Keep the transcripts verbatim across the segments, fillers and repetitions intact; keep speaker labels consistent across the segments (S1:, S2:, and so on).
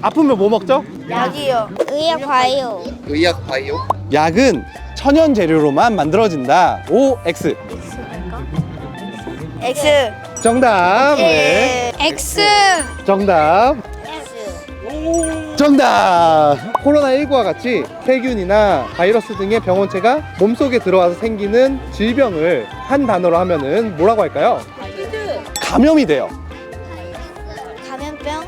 S1: 아프면 뭐 먹죠?
S2: 약이요. 의약 과요.
S3: 의약 바이오?
S1: 약은 천연 재료로만 만들어진다. O, X.
S2: X.
S1: 정답. 네.
S2: X.
S1: 정답.
S2: X.
S1: 정답. 코로나십구와 같이 세균이나 바이러스 등의 병원체가 몸속에 들어와서 생기는 질병을 한 단어로 하면은 뭐라고 할까요? 감염이 돼요.
S2: 감염병.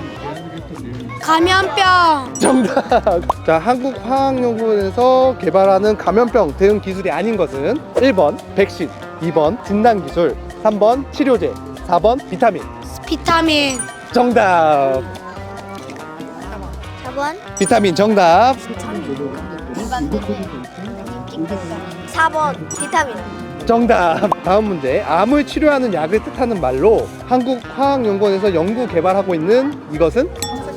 S2: 감염병.
S1: 정답. 자, 한국화학연구원에서 개발하는 감염병 대응 기술이 아닌 것은 일 번 백신, 이 번 진단기술, 삼 번 치료제, 사 번 비타민.
S2: 비타민.
S1: 정답.
S2: 사 번.
S1: 비타민 정답.
S2: 사 번. 비타민.
S1: 정답. 다음 문제. 암을 치료하는 약을 뜻하는 말로 한국화학연구원에서 연구 개발하고 있는 이것은?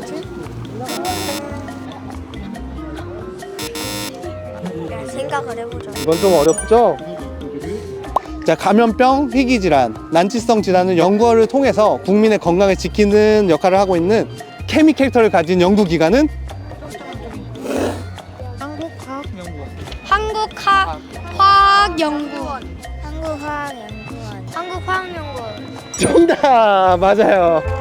S2: 생각을 해보자.
S1: 이건 좀 어렵죠? 자, 감염병, 희귀질환, 난치성 질환을 연구를 통해서 국민의 건강을 지키는 역할을 하고 있는 케미 캐릭터를 가진 연구기관은?
S2: 한국화학연구원. 한국화학연구원. 한국화학연구원.
S1: 정답! 맞아요.